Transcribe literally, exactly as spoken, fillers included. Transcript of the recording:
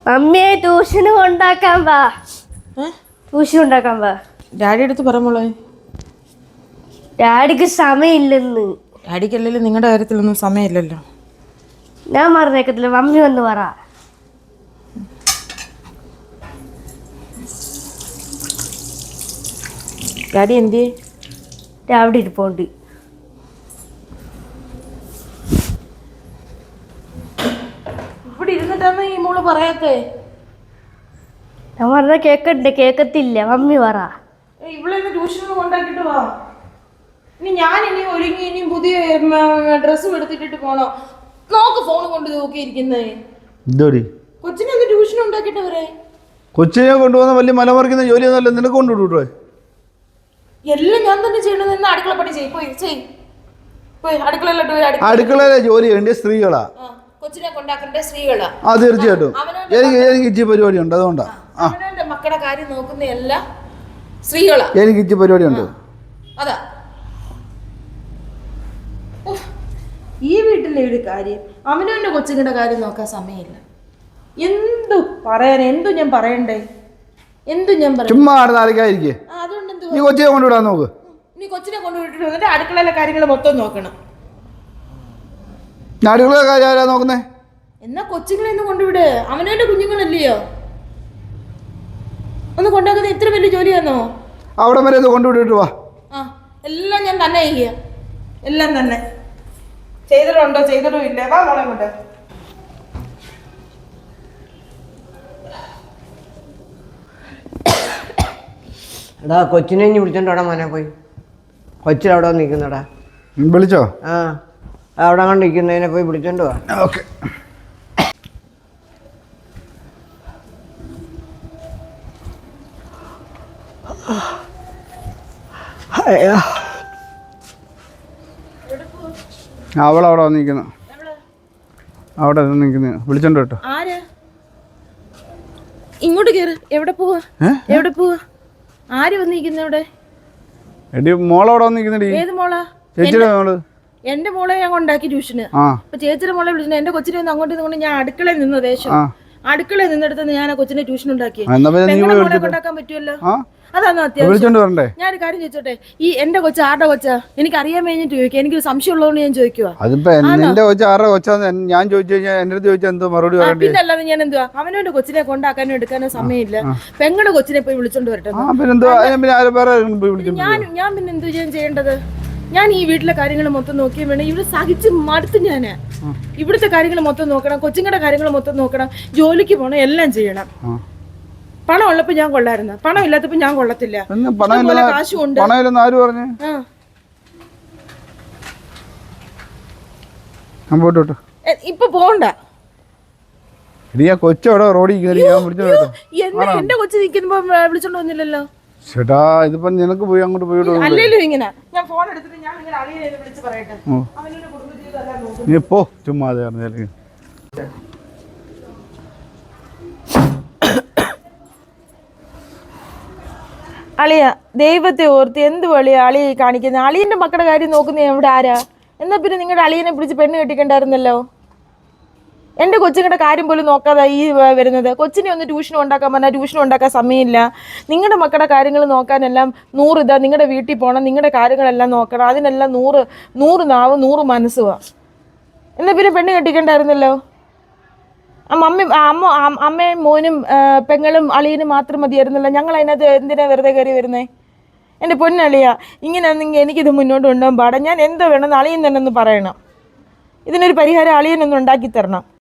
അമ്മയെ ട്യൂഷന് കൊണ്ടാക്കാൻ വാ. ട്യൂഷൻ ഉണ്ടാക്കാൻ വാ. ഡാഡി അടുത്ത് പറ മോളെ. ഡാഡിക്ക് സമയമില്ലെന്ന്. ഡാഡിക്കല്ലെങ്കിലും നിങ്ങളുടെ കാര്യത്തിലൊന്നും സമയമില്ലല്ലോ. ഞാൻ പറഞ്ഞേക്കത്തില്ല, മമ്മി വന്ന് പറ. ഡാഡി എന്തിയെ? അവിടെ ഇരിപ്പോണ്ട്. ഇവിടെ ഇരുന്നിട്ടാണ് ഈ മോള് പറയാത്തേ? ഞാൻ പറഞ്ഞ കേക്കണ്ടേ? കേക്കത്തില്ല, മമ്മി പറ. ഇവിടെ ട്യൂഷന് കൊണ്ടാക്കിട്ട് വാ. ഇനി ഞാൻ ഇനി ഒരുങ്ങി ഇനിയും പുതിയ ഡ്രസ്സും എടുത്തിട്ടിട്ട് പോണോ? നോക്ക് ഫോൺ കൊണ്ട് നോക്കിയിരിക്കുന്നേ. കൊച്ചിനെ ഒന്ന് ട്യൂഷൻ ഉണ്ടാക്കിട്ട് വരെ. കൊച്ചിനെ കൊണ്ടുപോകുന്ന വലിയ മലമറിക്കുന്ന ജോലിയൊന്നുമല്ല, നിനക്ക് കൊണ്ടുവിട്ടൂടെ? എല്ലാം ഞാൻ തന്നെ ചെയ്യണമെന്ന് അടുക്കള പണി ചെയ്യും. പോയി ചെയ് പോയി അടുക്കളയിലോട്ട്. അടുക്കളയിലെ ജോലി വേണ്ടിയ സ്ത്രീകളാ, കൊച്ചിനെ കൊണ്ടാക്കേണ്ട സ്ത്രീകളാ. ആ തീർച്ചയായിട്ടും. എനിക്ക് എനിക്ക് ഇച്ചി പരിപാടി ഉണ്ട്, അതുകൊണ്ടാ. അവനവന്റെ മക്കളുടെ കാര്യം നോക്കുന്ന എല്ലാം സ്ത്രീകളാ. എനിക്ക് ഇച്ചി പരിപാടി ഉണ്ട്. അതാ ഈ വീട്ടിലെ ഒരു കാര്യം, അവനവന്റെ കൊച്ചുങ്ങളുടെ കാര്യം നോക്കാൻ സമയമില്ല. എന്തു പറയാൻ, എന്തു ഞാൻ പറയണ്ടേ? എന്തു ഞാൻ പറയാം? ചുമ്മാ നാളിക്കായിരിക്കേ. അതുകൊണ്ട് എന്ത് നീ കൊച്ചിനെ കൊണ്ടുവിടാൻ നോക്ക്. നീ കൊച്ചിനെ കൊണ്ടുവിട്ടിട്ട് വന്നിട്ട് അടുക്കളയിലെ കാര്യങ്ങൾ മൊത്തം നോക്കണം. അടുക്കളയിലെ കാര്യം ആരാ നോക്കുന്നേ? എന്നാ കൊച്ചുങ്ങളെ ഒന്ന് കൊണ്ടുവിട്. അവനവന്റെ കുഞ്ഞുങ്ങളല്ലയോ. ഒന്ന് കൊണ്ടാക്കുന്ന ഇത്ര വലിയ ജോലിയാണോ? അവിടെ വരെ കൊണ്ടുവിട്ടിട്ട് വാ. ആ എല്ലാം ഞാൻ തന്നെ ചെയ്യുക, എല്ലാം തന്നെ. ചെയ്തിട്ടുണ്ടോ ചെയ്തിട്ടും ഇല്ല. വാ മോളെ കൊണ്ട്. എടാ കൊച്ചിനെ ഇനി വിളിച്ചോണ്ടോടാ മോനെ പോയി. കൊച്ചിലവിടെ നിൽക്കുന്നടാ. വിളിച്ചോ? ആ അവിടെ കണ്ട് നിൽക്കുന്നതിനെ പോയി വിളിച്ചോണ്ട് പോവാ. ഓക്കെ. അവളവിടെ വന്നിരിക്കുന്നു, അവിടെ നിൽക്കുന്നു. വിളിച്ചോണ്ട് കേട്ടോ. ആര് ഇങ്ങോട്ട് കേറ്. എവിടെ പോവാ? എവിടെ പോവാ? ആര് വന്നിരിക്കുന്ന ഇവിടെ? എടി മോളവിടെ വന്നിരിക്കുന്നടി. ഏത് മോളാ? ചേച്ചിയുടെ മോള്. എന്റെ മോളെ ഞാൻ കൊണ്ടാക്കി ട്യൂഷന്. അപ്പൊ ചേച്ചിയുടെ മോളെ വിളിച്ചു. എന്റെ കൊച്ചിനെ ഒന്ന് അങ്ങോട്ട് നിന്നുകൊണ്ട് ഞാൻ അടുക്കളയിൽ നിന്ന് ദേശം അടുക്കളയിൽ നിന്നെടുത്ത് ഞാൻ ആ കൊച്ചിനെ ട്യൂഷൻ ഉണ്ടാക്കി. മോളെ കൊണ്ടാക്കാൻ പറ്റുമല്ലോ. അതാണോ അത്യാവശ്യം? ഞാനൊരു കാര്യം ചോദിച്ചോട്ടെ, ഈ എന്റെ കൊച്ച ആരുടെ കൊച്ചാ? എനിക്ക് അറിയാൻ കഴിഞ്ഞിട്ട് ചോദിക്കുക. എനിക്കൊരു സംശയം ഉള്ളതുകൊണ്ട് ഞാൻ ചോദിക്കുവാ. ഞാൻ ചോദിച്ചു കഴിഞ്ഞാൽ എന്റെ അടുത്ത് ചോദിച്ചാൽ എന്തോ മറുപടി പറയണ്ടേ? പിന്നെ അല്ലാതെ ഞാൻ എന്തുവാ? അവനവന്റെ കൊച്ചിനെ കൊണ്ടാക്കാനോ എടുക്കാനോ സമയമില്ല. പെങ്ങളുടെ കൊച്ചിനെ പോയി വിളിച്ചോണ്ട് വരട്ടെ. ഞാൻ ഞാൻ പിന്നെ എന്തു ചെയ്യാൻ ചെയ്യേണ്ടത്? ഞാൻ ഈ വീട്ടിലെ കാര്യങ്ങൾ മൊത്തം നോക്കിയും വേണം. ഇവിടെ സഹിച്ച് മടുത്ത് ഞാന്. ഇവിടുത്തെ കാര്യങ്ങൾ മൊത്തം നോക്കണം, കൊച്ചുങ്ങളുടെ കാര്യങ്ങൾ മൊത്തം നോക്കണം, ജോലിക്ക് പോകണം, എല്ലാം ചെയ്യണം. പണം ഉള്ളപ്പോ ഞാൻ കൊള്ളായിരുന്നു, പണം ഇല്ലാത്തപ്പോ ഞാൻ കൊള്ളത്തില്ല. കാശുണ്ട്. ഇപ്പൊ പോണ്ട. കൊച്ചോടെ റോഡിൽ എന്റെ കൊച്ചു നിൽക്കുമ്പോ വിളിച്ചോണ്ട് വന്നില്ലല്ലോ. ചേട്ടാ ഇതിപ്പോ നിനക്ക് പോയി അങ്ങോട്ട് പോയി. അല്ലല്ലോ ഇങ്ങനെ ഞാൻ ഫോൺ എടുത്തിട്ട് ഞാൻ ഇങ്ങനെ അളിയെ വിളിച്ച് പറയട്ടെ. അവനൊരു കുടുംബജീവിതം നീ പോ ചുമ്മാ അത് പറഞ്ഞാൽ. അളിയ ദൈവത്തെ ഓർത്ത് എന്ത് വളിയാ അളിയെ കാണിക്കുന്നത്? അളിയന്റെ മക്കളുടെ കാര്യം നോക്കുന്ന എവിടെ ആരാ? എന്നാ പിന്നെ നിങ്ങളുടെ അളിയനെ പിടിച്ച് പെണ്ണ് കെട്ടിക്കണ്ടായിരുന്നല്ലോ. എൻ്റെ കൊച്ചുങ്ങളുടെ കാര്യം പോലും നോക്കാതെ ഈ വരുന്നത്. കൊച്ചിനെ ഒന്ന് ട്യൂഷൻ ഉണ്ടാക്കാൻ പറഞ്ഞാൽ ട്യൂഷൻ ഉണ്ടാക്കാൻ സമയമില്ല. നിങ്ങളുടെ മക്കളുടെ കാര്യങ്ങൾ നോക്കാനെല്ലാം നൂറ് ഇതാ. നിങ്ങളുടെ വീട്ടിൽ പോകണം, നിങ്ങളുടെ കാര്യങ്ങളെല്ലാം നോക്കണം, അതിനെല്ലാം നൂറ് നൂറ് നാവ് നൂറ് മനസ്സുവാ. എന്നാ പിന്നെ പെണ്ണ് കെട്ടിക്കണ്ടായിരുന്നല്ലോ. അമ്മ അമ്മ അമ്മയും മോനും പെങ്ങളും അളിയനും മാത്രം മതിയായിരുന്നല്ലോ. ഞങ്ങൾ അതിനകത്ത് എന്തിനാ വെറുതെ കയറി വരുന്നേ? എൻ്റെ പൊന്നളിയ, ഇങ്ങനെയാണെങ്കിൽ എനിക്കിത് മുന്നോട്ട് കൊണ്ടുപോകാൻ പാടാം. ഞാൻ എന്തോ വേണമെന്ന് അളിയൻ തന്നെ ഒന്ന് പറയണം. ഇതിനൊരു പരിഹാരം അളിയനൊന്ന് ഉണ്ടാക്കി തരണം.